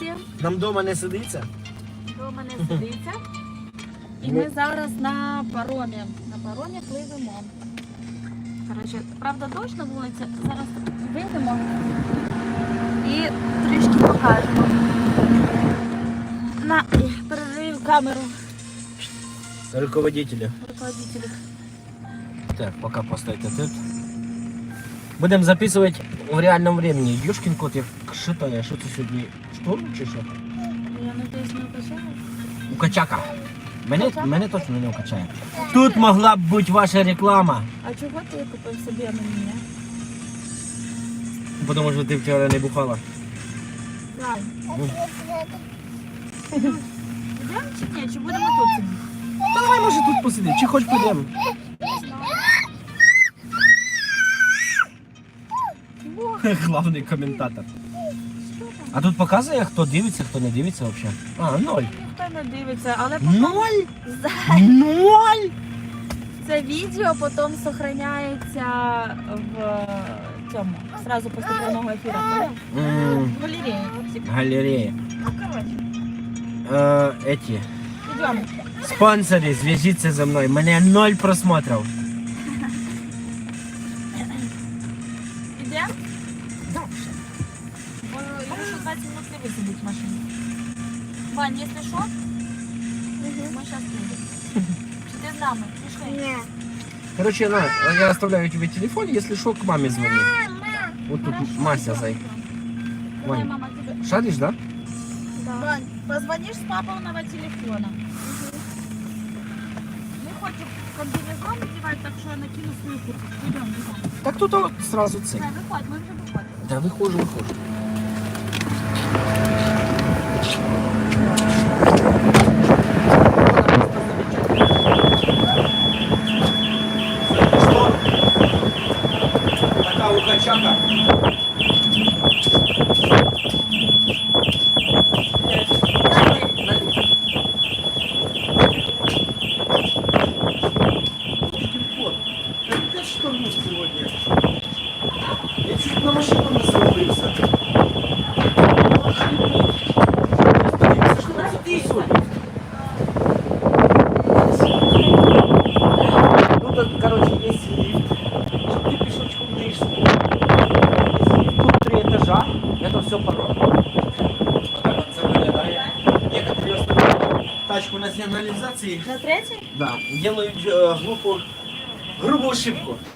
всім. Нам вдома не сидиться. Дома не сидиться. І ми зараз на паромі. На паромі пливемо. Коротше, правда, дощ на вулиці. Зараз вийдемо і трішки покажемо. На, передаю камеру Руководителя. руководителю. Так, пока постойте тут. Будемо записувати в реальному времени. Юшкін кот, як шитає. Що це сьогодні? Шторм чи що? Я надіюсь, не вкачаю. Укачака. Мене точно не укачає. Тут могла б бути ваша реклама. А чого ти купив собі, а не мене? Тому що ти вчора не бухала. Так. Йдемо чи ні? Чи будемо тут сидіти? Та давай, може, тут посидимо. Чи хоч підемо? Главний коментатор. А тут показує, хто дивиться, хто не дивиться взагалі. А, 0. Ніхто не дивиться, але 0? потім 0? це відео потім зберігається в цьому, сразу після прямого ефіру. В галереї. Галерея. Ну, коротше, Эти. йдемо. Спонсори, зв'яжіться зі мною. Мене 0 просмотрів. Йдемо? Так. Бо Ілюша 20 минут не висидить в машині. Вань, якщо що, ми зараз підемо. Чи ти з нами? Пішли? Ні. Короче, на, я оставляю тебе телефон, если что, к маме звони. Вот тут Мася, зай. Давай, Вань. мама, тебе. Шаришь, да? Да. Вань, позвонишь с папиного телефона. Не хочу комбинезон надевать, так что я накину свою куртку. Идем, идем. Так тут вот сразу цель. Да, выходь, мы уже выходим. Да, выхожу. Такая укачака. Я чуть на машину не завалился. Ну так, короче, есть лифт, чтобы ты пешочком движешься. Тут 3 этажа, это все паром. Вот так вот это выглядит. Некоторые оставляют тачку на сигнализации. На третий? Да, делают грубую ошибку.